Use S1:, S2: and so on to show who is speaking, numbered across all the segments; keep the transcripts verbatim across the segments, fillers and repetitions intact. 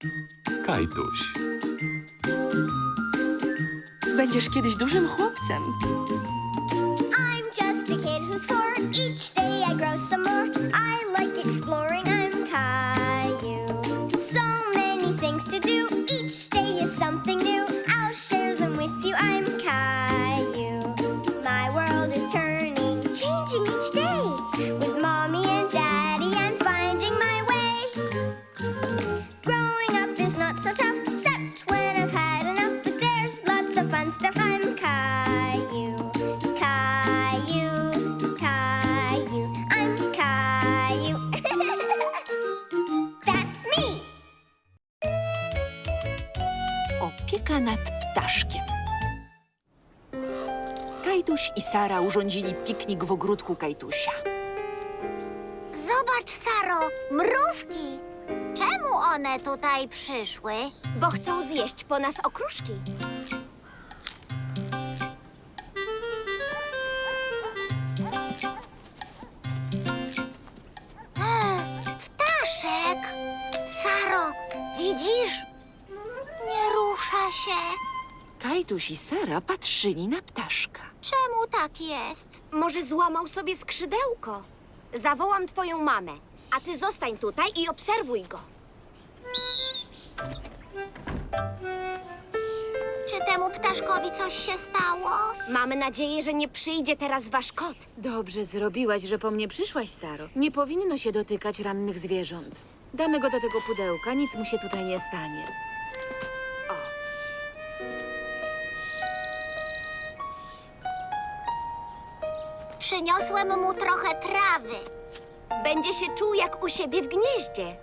S1: Kajtuś.
S2: Będziesz kiedyś dużym chłopcem.
S3: I'm just a kid who's four. Each day I grow some more. I like exploring. I'm Caillou. So many things to do. Each day is something new. I'll share them with you. I'm Caillou. My world is turning, changing each day. With mommy and daddy, I'm finding my way. Growing up is not so tough, except when I've had enough. But there's lots of fun stuff. I'm Caillou. Caillou, Caillou, I'm Caillou. That's me.
S4: Opieka nad ptaszkiem. Kajtuś i Sara urządzili piknik w ogródku Kajtusia.
S5: Zobacz, Saro, mrówki. Czemu one tutaj przyszły?
S3: Bo chcą zjeść po nas okruszki.
S5: Ptaszek! Saro, widzisz? Nie rusza się.
S4: Kajtuś i Sara patrzyli na ptaszka.
S5: Czemu tak jest?
S3: Może złamał sobie skrzydełko. Zawołam twoją mamę, a ty zostań tutaj i obserwuj go.
S5: Czy temu ptaszkowi coś się stało?
S3: Mamy nadzieję, że nie przyjdzie teraz wasz kot.
S6: Dobrze zrobiłaś, że po mnie przyszłaś, Saro. Nie powinno się dotykać rannych zwierząt. Damy go do tego pudełka, nic mu się tutaj nie stanie. O,
S5: Przyniosłem mu trochę trawy.
S3: Będzie się czuł jak u siebie w gnieździe.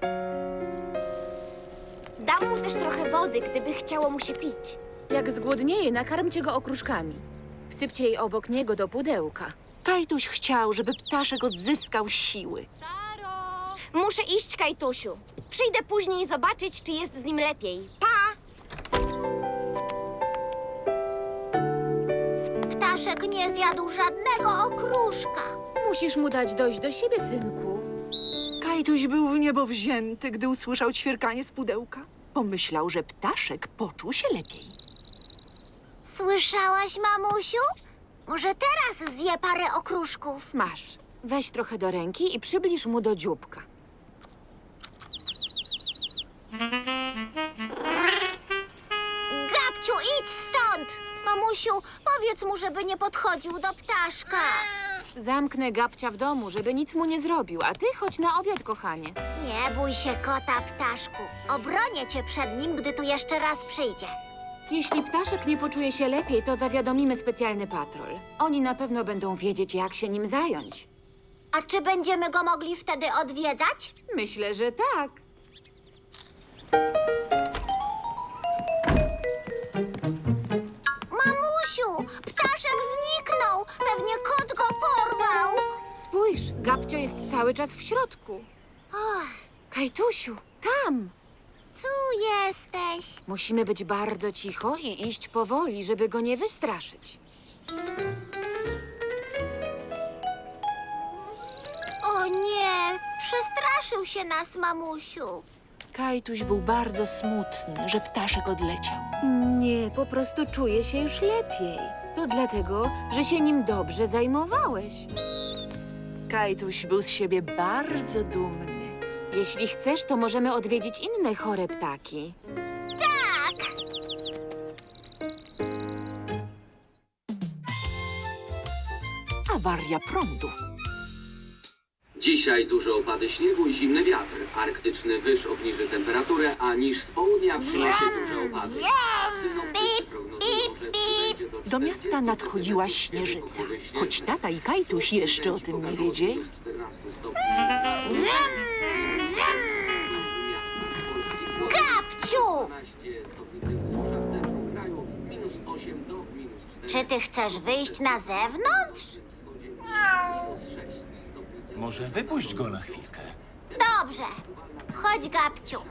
S3: Dam mu też trochę wody, gdyby chciało mu się pić.
S6: jak zgłodnieje, nakarmcie go okruszkami. Wsypcie jej obok niego do pudełka.
S4: Kajtuś chciał, żeby ptaszek odzyskał siły.
S3: Muszę iść, Kajtusiu. Przyjdę później zobaczyć, czy jest z nim lepiej. Pa!
S5: Ptaszek nie zjadł żadnego okruszka.
S6: Musisz mu dać dojść do siebie, synku.
S4: Kajtuś był w niebo wzięty, gdy usłyszał ćwierkanie z pudełka. Pomyślał, że ptaszek poczuł się lepiej.
S5: Słyszałaś, mamusiu? Może teraz zje parę okruszków.
S6: Masz. Weź trochę do ręki i przybliż mu do dzióbka.
S5: Gabciu, idź stąd! Mamusiu, powiedz mu, żeby nie podchodził do ptaszka.
S6: Zamknę Gabcia w domu, żeby nic mu nie zrobił, a ty chodź na obiad, kochanie.
S5: Nie bój się kota, ptaszku. Obronię cię przed nim, gdy tu jeszcze raz przyjdzie.
S6: Jeśli ptaszek nie poczuje się lepiej, to zawiadomimy specjalny patrol. Oni na pewno będą wiedzieć, jak się nim zająć.
S5: A czy będziemy go mogli wtedy odwiedzać?
S6: Myślę, że tak.
S5: Mamusiu, ptaszek zniknął. Pewnie kot go porwał.
S6: Spójrz, Gabcio jest cały czas w środku.
S5: Och,
S6: Kajtusiu, tam!
S5: tu jesteś.
S6: Musimy być bardzo cicho i iść powoli, żeby go nie wystraszyć.
S5: O nie, przestraszył się nas, mamusiu.
S4: Kajtuś był bardzo smutny, że ptaszek odleciał.
S6: Nie, po prostu czuję się już lepiej. To dlatego, że się nim dobrze zajmowałeś.
S4: Kajtuś był z siebie bardzo dumny.
S6: Jeśli chcesz, to możemy odwiedzić inne chore ptaki.
S4: Awaria prądu.
S7: Dzisiaj duże opady śniegu i zimny wiatr. Arktyczny wyż obniży temperaturę, a niż z południa przyniesie duże opady. Synoptycy prognozują, że przybędzie
S4: Do miasta
S7: czterdziestu
S4: nadchodziła
S7: centymetrów
S4: śnieżyca.
S7: pokrywy śniegu.
S4: Choć tata i Kajtuś jeszcze o tym nie wiedzieli.
S7: Minus czternaście stopni.
S5: Gabciu!
S7: dwanaście stopni Celsjusza w centrum kraju, minus osiem do minus cztery.
S5: Czy ty chcesz wyjść na zewnątrz?
S7: Minus sześć stopni Celsjusza.
S1: Może wypuść go na chwilkę.
S5: Dobrze. Chodź, Gabciu.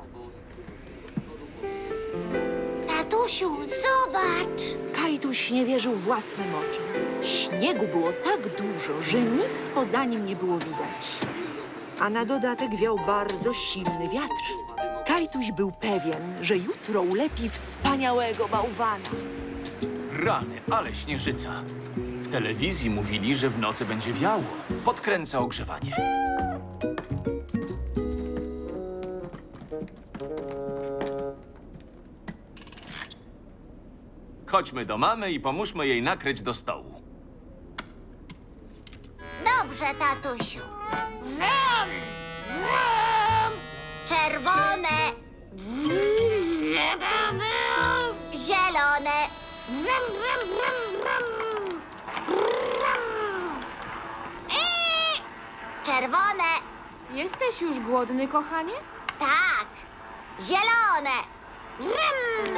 S5: Tatusiu, zobacz.
S4: Kajtuś nie wierzył własnym oczom. Śniegu było tak dużo, że nic poza nim nie było widać. A na dodatek wiał bardzo silny wiatr. Kajtuś był pewien, że jutro ulepi wspaniałego bałwana.
S1: Rany, ale śnieżyca. W telewizji mówili, że w nocy będzie wiało. Podkręca ogrzewanie. Chodźmy do mamy i pomóżmy jej nakryć do stołu.
S5: Dobrze, tatusiu. Wrum, wrum. Czerwone. Zielone. Wrum, wrum, wrum, wrum. Wrum. Eee. Czerwone.
S6: Jesteś już głodny, kochanie?
S5: Tak. Zielone. Wrum.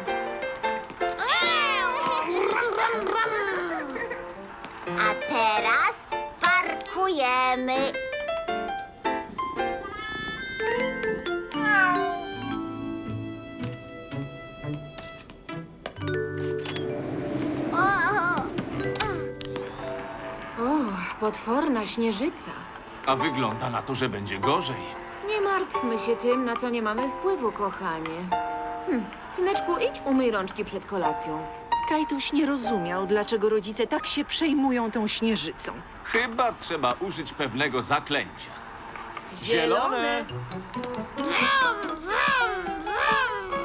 S5: Wrum, wrum, wrum. A teraz parkujemy.
S6: O, potworna śnieżyca.
S1: A wygląda na to, że będzie gorzej.
S6: Nie martwmy się tym, na co nie mamy wpływu, kochanie. Hm, syneczku, idź umyj rączki przed kolacją.
S4: Kajtuś nie rozumiał, dlaczego rodzice tak się przejmują tą śnieżycą.
S1: Chyba trzeba użyć pewnego zaklęcia.
S6: Zielone.
S5: Wrum, wrum, wrum.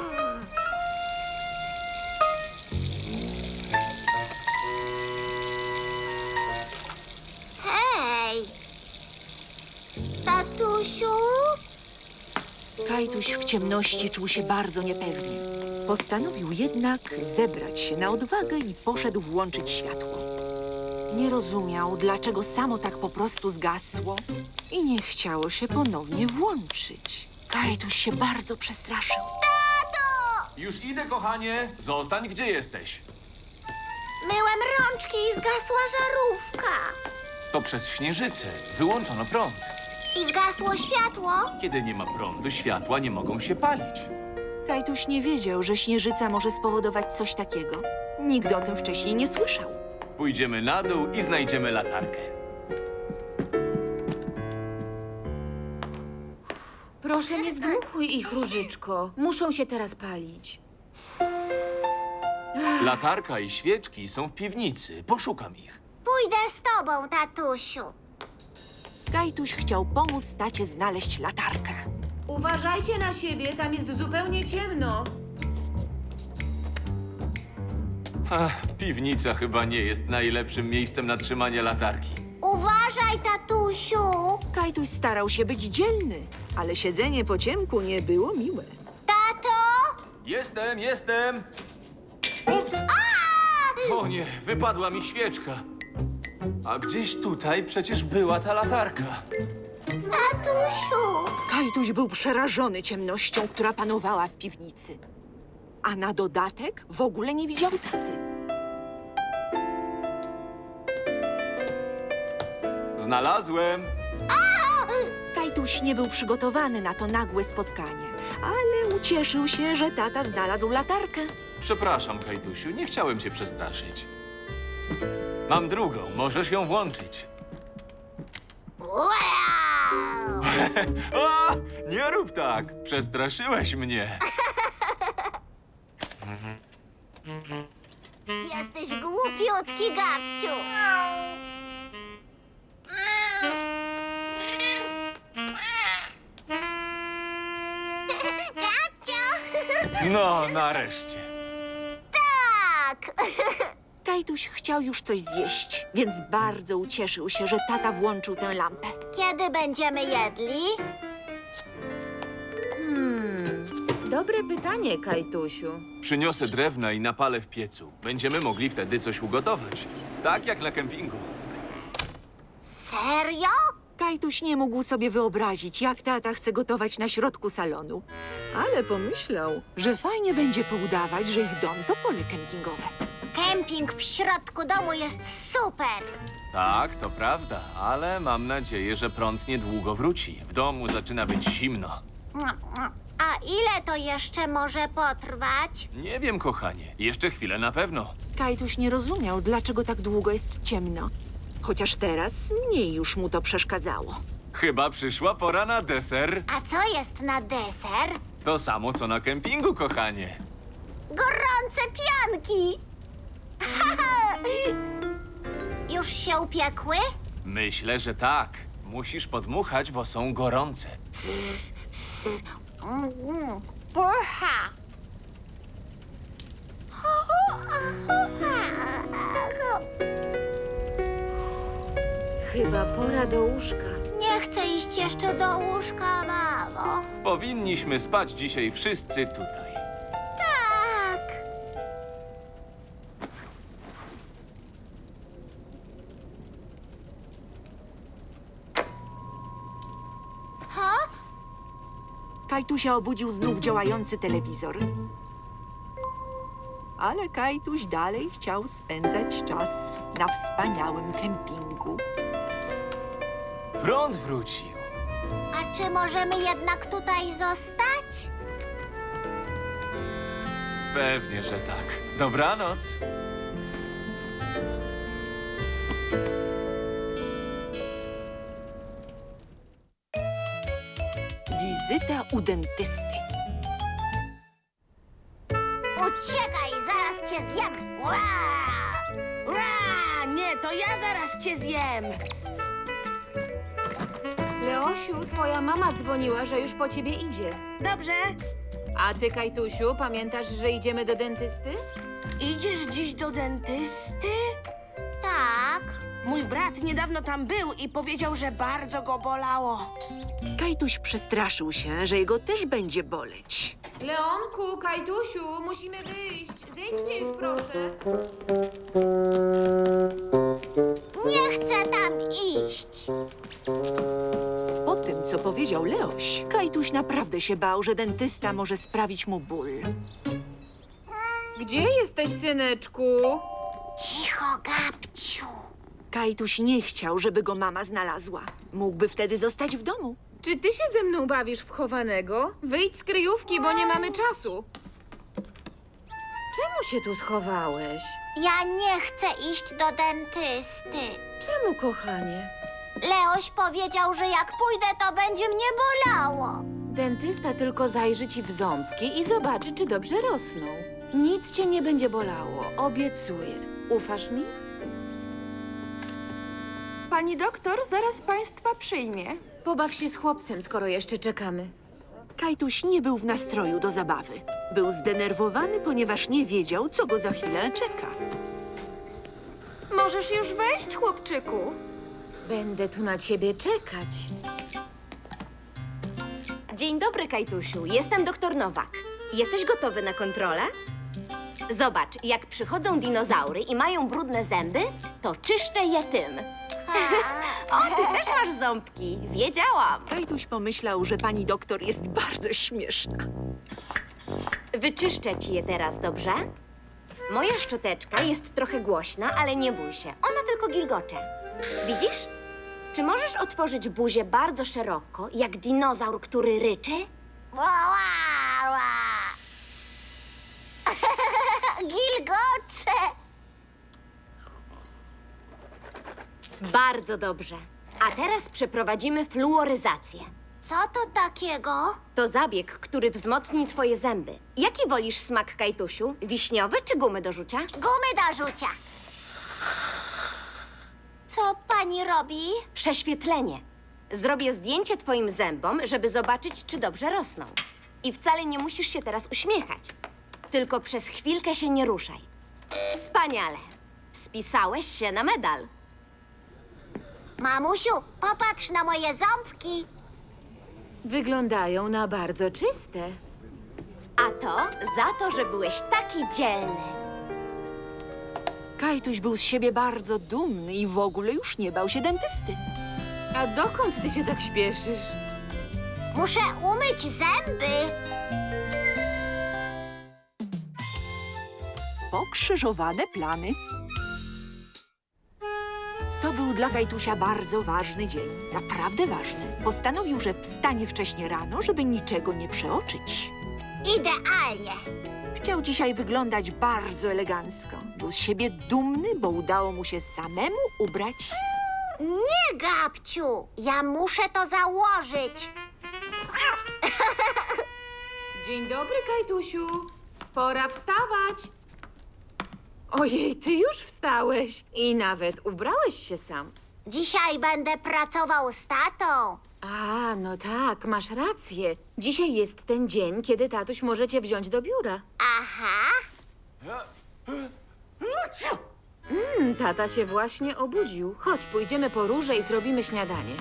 S5: Hej! Tatusiu?
S4: Kajtuś w ciemności czuł się bardzo niepewnie. Postanowił jednak zebrać się na odwagę i poszedł włączyć światło. Nie rozumiał, dlaczego samo tak po prostu zgasło i nie chciało się ponownie włączyć. Kajtuś się bardzo przestraszył.
S1: Już idę, kochanie. Zostań, gdzie jesteś.
S5: Myłem rączki i zgasła żarówka.
S1: To przez śnieżycę. Wyłączono prąd.
S5: I zgasło światło.
S1: Kiedy nie ma prądu, światła nie mogą się palić.
S4: Kajtuś nie wiedział, że śnieżyca może spowodować coś takiego. Nigdy o tym wcześniej nie słyszał.
S1: Pójdziemy na dół i znajdziemy latarkę.
S6: Proszę, nie zdmuchuj ich, Różyczko. Muszą się teraz palić.
S1: Latarka i świeczki są w piwnicy. Poszukam ich.
S5: Pójdę z tobą, tatusiu.
S4: Kajtuś chciał pomóc tacie znaleźć latarkę.
S6: Uważajcie na siebie, tam jest zupełnie ciemno.
S1: Ach, piwnica chyba nie jest najlepszym miejscem na trzymanie latarki.
S5: Uważaj, tatusiu.
S4: Kajtuś starał się być dzielny, ale siedzenie po ciemku nie było miłe.
S5: Tato!
S1: Jestem, jestem! Ups! O nie, wypadła mi świeczka. A gdzieś tutaj przecież była ta latarka.
S5: Tatusiu!
S4: Kajtuś był przerażony ciemnością, która panowała w piwnicy. A na dodatek w ogóle nie widział taty.
S1: Znalazłem.
S4: Kajtuś nie był przygotowany na to nagłe spotkanie, ale ucieszył się, że tata znalazł latarkę.
S1: Przepraszam, Kajtusiu, nie chciałem cię przestraszyć. Mam drugą, możesz ją włączyć.
S5: Wow!
S1: A, nie rób tak, przestraszyłeś mnie.
S5: Jesteś głupiutki, Gabciu. Gabciu!
S1: No, nareszcie.
S5: Tak!
S4: Kajtuś chciał już coś zjeść, więc bardzo ucieszył się, że tata włączył tę lampę.
S5: Kiedy będziemy jedli?
S6: Hmm, dobre pytanie, Kajtusiu.
S1: Przyniosę drewna i napalę w piecu. Będziemy mogli wtedy coś ugotować. Tak jak na kempingu.
S5: Serio?
S4: Kajtuś nie mógł sobie wyobrazić, jak tata chce gotować na środku salonu. Ale pomyślał, że fajnie będzie poudawać, że ich dom to pole kempingowe.
S5: Kemping w środku domu jest super.
S1: Tak, to prawda, ale mam nadzieję, że prąd niedługo wróci. W domu zaczyna być zimno.
S5: A ile to jeszcze może potrwać?
S1: Nie wiem, kochanie. Jeszcze chwilę na pewno.
S4: Kajtuś nie rozumiał, dlaczego tak długo jest ciemno. Chociaż teraz mniej już mu to przeszkadzało.
S1: Chyba przyszła pora na deser.
S5: A co jest na deser?
S1: To samo, co na kempingu, kochanie.
S5: Gorące pianki! Już się upiekły?
S1: Myślę, że tak. Musisz podmuchać, bo są gorące.
S5: Mm, Porcha!
S6: Chyba pora do łóżka.
S5: Nie chcę iść jeszcze do łóżka, mamo.
S1: Powinniśmy spać dzisiaj wszyscy tutaj.
S5: Tak. Ha?
S4: Kajtusia obudził znów działający telewizor. Ale Kajtuś dalej chciał spędzać czas na wspaniałym kempingu.
S1: Prąd wrócił.
S5: A czy możemy jednak tutaj zostać?
S1: Pewnie, że tak. Dobranoc.
S4: Wizyta u dentysty.
S5: Uciekaj, zaraz cię zjem! Ua!
S2: Ra, nie, to ja zaraz cię zjem.
S6: Leosiu, twoja mama dzwoniła, że już po ciebie idzie.
S2: Dobrze.
S6: A ty, Kajtusiu, pamiętasz, że idziemy do dentysty?
S2: Idziesz dziś do dentysty?
S5: Tak.
S2: Mój brat niedawno tam był i powiedział, że bardzo go bolało.
S4: Kajtuś przestraszył się, że jego też będzie boleć.
S6: Leonku, Kajtusiu, musimy wyjść. Zejdźcie już, proszę.
S5: Nie chcę tam iść.
S4: Po tym, co powiedział Leoś, Kajtuś naprawdę się bał, że dentysta może sprawić mu ból.
S6: Gdzie jesteś, syneczku?
S5: Cicho, Gabciu.
S4: Kajtuś nie chciał, żeby go mama znalazła. Mógłby wtedy zostać w domu.
S6: Czy ty się ze mną bawisz w chowanego? Wyjdź z kryjówki, bo nie mamy czasu. Czemu się tu schowałeś?
S5: Ja nie chcę iść do dentysty.
S6: Czemu, kochanie?
S5: Leoś powiedział, że jak pójdę, to będzie mnie bolało.
S6: Dentysta tylko zajrzy ci w ząbki i zobaczy, czy dobrze rosną. Nic cię nie będzie bolało, obiecuję. Ufasz mi?
S2: Pani doktor zaraz państwa przyjmie.
S6: Pobaw się z chłopcem, skoro jeszcze czekamy.
S4: Kajtuś nie był w nastroju do zabawy. Był zdenerwowany, ponieważ nie wiedział, co go za chwilę czeka.
S2: Możesz już wejść, chłopczyku.
S6: Będę tu na ciebie czekać.
S8: Dzień dobry, Kajtusiu. Jestem doktor Nowak. Jesteś gotowy na kontrolę? Zobacz, jak przychodzą dinozaury i mają brudne zęby, to czyszczę je tym. O, ty też masz ząbki. Wiedziałam.
S4: Kajtuś pomyślał, że pani doktor jest bardzo śmieszna.
S8: Wyczyszczę ci je teraz, dobrze? Moja szczoteczka jest trochę głośna, ale nie bój się. Ona tylko gilgocze. Widzisz? Czy możesz otworzyć buzię bardzo szeroko, jak dinozaur, który ryczy?
S5: Ła, ła, ła. Gilgocze.
S8: Bardzo dobrze. A teraz przeprowadzimy fluoryzację.
S5: Co to takiego?
S8: To zabieg, który wzmocni twoje zęby. Jaki wolisz smak, Kajtusiu? Wiśniowy czy gumy do rzucia?
S5: Gumy do rzucia. Co pani robi?
S8: Prześwietlenie. Zrobię zdjęcie twoim zębom, żeby zobaczyć, czy dobrze rosną. I wcale nie musisz się teraz uśmiechać. Tylko przez chwilkę się nie ruszaj. Wspaniale. Spisałeś się na medal.
S5: Mamusiu, popatrz na moje ząbki.
S6: Wyglądają na bardzo czyste.
S8: A to za to, że byłeś taki dzielny.
S4: Kajtuś był z siebie bardzo dumny i w ogóle już nie bał się dentysty.
S6: A dokąd ty się tak śpieszysz?
S5: Muszę umyć zęby.
S4: Pokrzyżowane plany. To był dla Kajtusia bardzo ważny dzień. Naprawdę ważny. Postanowił, że wstanie wcześnie rano, żeby niczego nie przeoczyć.
S5: Idealnie.
S4: Chciał dzisiaj wyglądać bardzo elegancko. Był z siebie dumny, bo udało mu się samemu ubrać.
S5: Nie, Gabciu, ja muszę to założyć.
S6: Dzień dobry, Kajtusiu. Pora wstawać. Ojej, ty już wstałeś i nawet ubrałeś się sam.
S5: Dzisiaj będę pracował z tatą.
S6: A, no tak, masz rację. Dzisiaj jest ten dzień, kiedy tatuś może cię wziąć do biura.
S5: Aha.
S6: Mm, tata się właśnie obudził. Chodź, pójdziemy po róże i zrobimy śniadanie.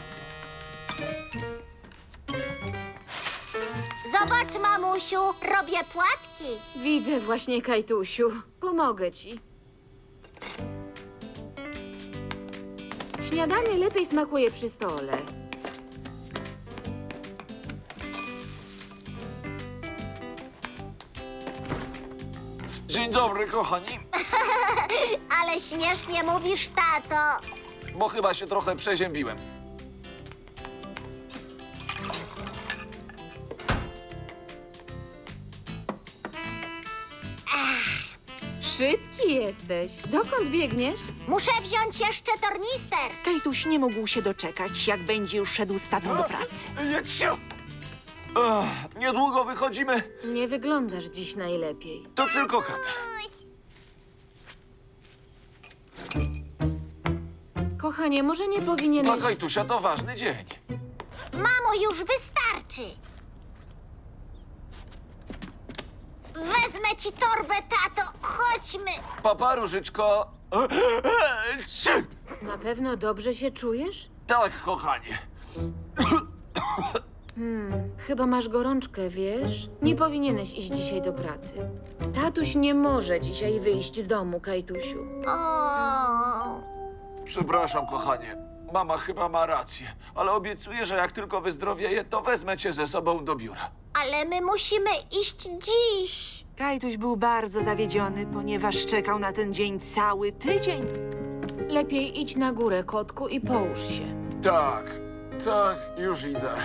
S5: Zobacz, mamusiu, robię płatki.
S6: Widzę właśnie, Kajtusiu. Pomogę ci. Śniadanie lepiej smakuje przy stole.
S1: Dzień dobry, kochani.
S5: Ale śmiesznie mówisz, tato.
S1: Bo chyba się trochę przeziębiłem.
S6: Szybki jesteś. Dokąd biegniesz?
S5: Muszę wziąć jeszcze tornister.
S4: Kajtuś nie mógł się doczekać, jak będzie już szedł z tatą do pracy.
S1: Jedźcie! Ech, niedługo wychodzimy.
S6: Nie wyglądasz dziś najlepiej.
S1: To tylko kat.
S6: Kochanie, może nie
S1: Dla
S6: powinieneś...
S1: Kajtusia to ważny dzień.
S5: Mamo, już wystarczy. Wezmę ci torbę, tato. Chodźmy.
S1: Papa, Różyczko. Trzy.
S6: Na pewno dobrze się czujesz?
S1: Tak, kochanie.
S6: Chyba masz gorączkę, wiesz? Nie powinieneś iść dzisiaj do pracy. Tatuś nie może dzisiaj wyjść z domu, Kajtusiu.
S5: O.
S1: Przepraszam, kochanie. Mama chyba ma rację, ale obiecuję, że jak tylko wyzdrowieję, to wezmę cię ze sobą do biura.
S5: Ale my musimy iść dziś.
S4: Kajtuś był bardzo zawiedziony, ponieważ czekał na ten dzień cały tydzień.
S6: Lepiej idź na górę, kotku, i połóż się.
S1: Tak, tak, już idę.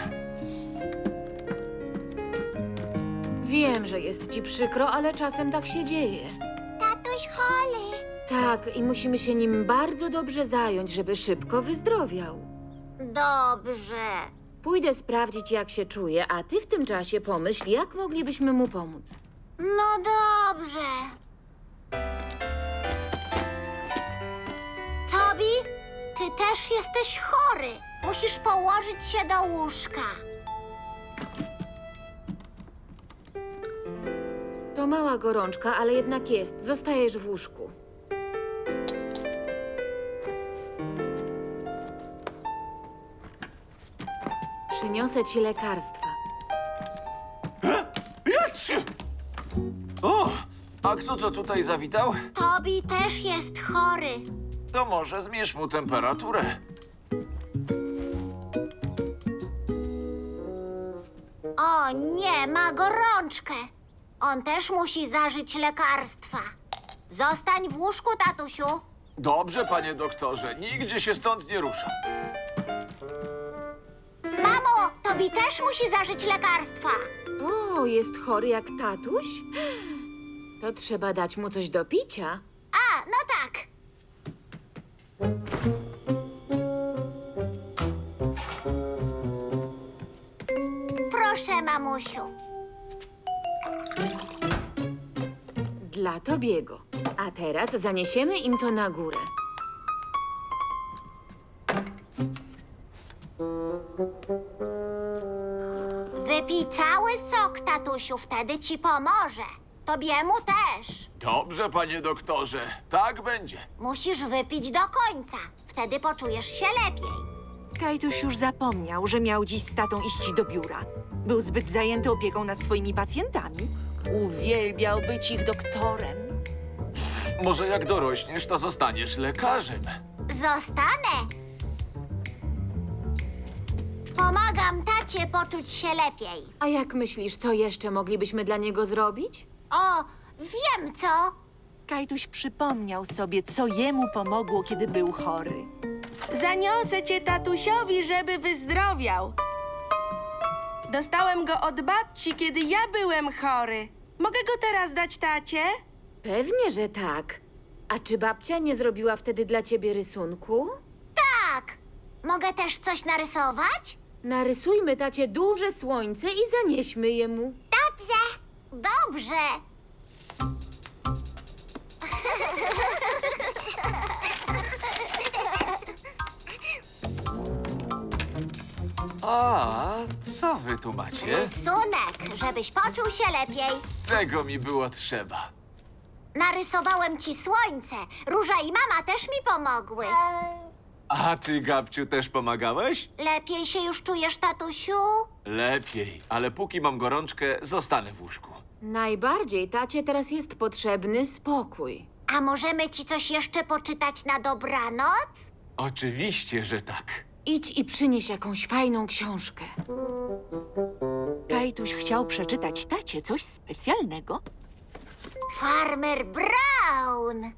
S6: Wiem, że jest ci przykro, ale czasem tak się dzieje.
S5: Tatuś chory.
S6: Tak, i musimy się nim bardzo dobrze zająć, żeby szybko wyzdrowiał.
S5: Dobrze.
S6: Pójdę sprawdzić, jak się czuje, a ty w tym czasie pomyśl, jak moglibyśmy mu pomóc.
S5: No dobrze. Tobi, ty też jesteś chory. Musisz położyć się do łóżka.
S6: To mała gorączka, ale jednak jest. Zostajesz w łóżku. Przyniosę ci lekarstwa.
S1: Jedźcie! O, a kto to tutaj zawitał?
S5: Tobi też jest chory.
S1: To może zmierz mu temperaturę.
S5: O nie, ma gorączkę. On też musi zażyć lekarstwa. Zostań w łóżku, tatusiu.
S1: Dobrze, panie doktorze, nigdzie się stąd nie ruszam.
S5: Mamo, Tobi też musi zażyć lekarstwa.
S6: O, jest chory jak tatuś? To trzeba dać mu coś do picia.
S5: A, no tak. Proszę, mamusiu.
S6: Dla Tobiego. A teraz zaniesiemy im to na górę.
S5: Wypij cały sok, tatusiu, wtedy ci pomoże. Tobiemu też.
S1: Dobrze, panie doktorze, tak będzie.
S5: Musisz wypić do końca. Wtedy poczujesz się lepiej.
S4: Kajtuś już zapomniał, że miał dziś z tatą iść do biura. Był zbyt zajęty opieką nad swoimi pacjentami. Uwielbiał być ich doktorem.
S1: Może jak dorośniesz, to zostaniesz lekarzem.
S5: Zostanę. Pomagam tacie poczuć się lepiej.
S6: A jak myślisz, co jeszcze moglibyśmy dla niego zrobić?
S5: O, wiem co.
S4: Kajtuś przypomniał sobie, co jemu pomogło, kiedy był chory.
S2: Zaniosę cię tatusiowi, żeby wyzdrowiał. Dostałem go od babci, kiedy ja byłem chory. Mogę go teraz dać tacie?
S6: Pewnie, że tak. A czy babcia nie zrobiła wtedy dla ciebie rysunku?
S5: Tak. Mogę też coś narysować?
S6: Narysujmy tacie duże słońce i zanieśmy jemu.
S5: Tak. Dobrze. Dobrze.
S1: A, co wy tu macie?
S5: Rysunek, żebyś poczuł się lepiej.
S1: Tego mi było trzeba.
S5: Narysowałem ci słońce. Róża i mama też mi pomogły.
S1: A ty, Gabciu, też pomagałeś?
S5: Lepiej się już czujesz, tatusiu?
S1: Lepiej, ale póki mam gorączkę, zostanę w łóżku.
S6: Najbardziej tacie teraz jest potrzebny spokój.
S5: A możemy ci coś jeszcze poczytać na dobranoc?
S1: Oczywiście, że tak.
S6: Idź i przynieś jakąś fajną książkę.
S4: Kajtuś chciał przeczytać tacie coś specjalnego.
S5: Farmer Brown!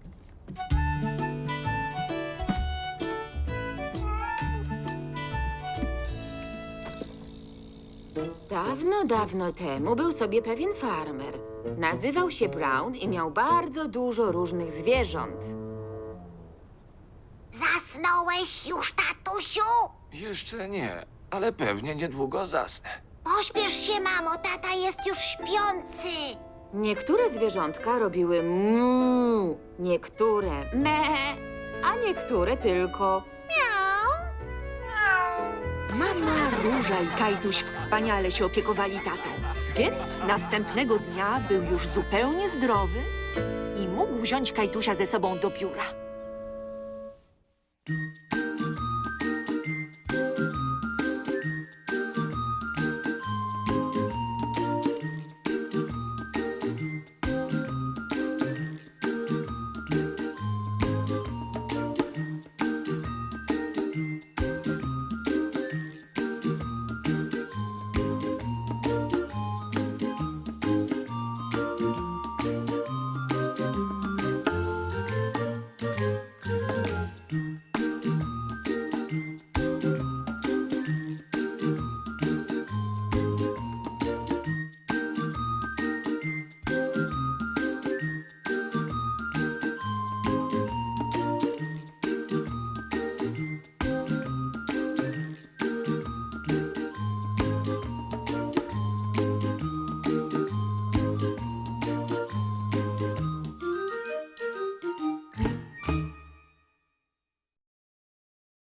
S6: Dawno, dawno temu był sobie pewien farmer. Nazywał się Brown i miał bardzo dużo różnych zwierząt.
S5: Zasnąłeś już, tatusiu?
S1: Jeszcze nie, ale pewnie niedługo zasnę.
S5: Pośpiesz się, mamo, tata jest już śpiący.
S6: Niektóre zwierzątka robiły mu, niektóre me, a niektóre tylko
S4: Mama, Róża i Kajtuś wspaniale się opiekowali tatą, więc następnego dnia był już zupełnie zdrowy i mógł wziąć Kajtusia ze sobą do biura.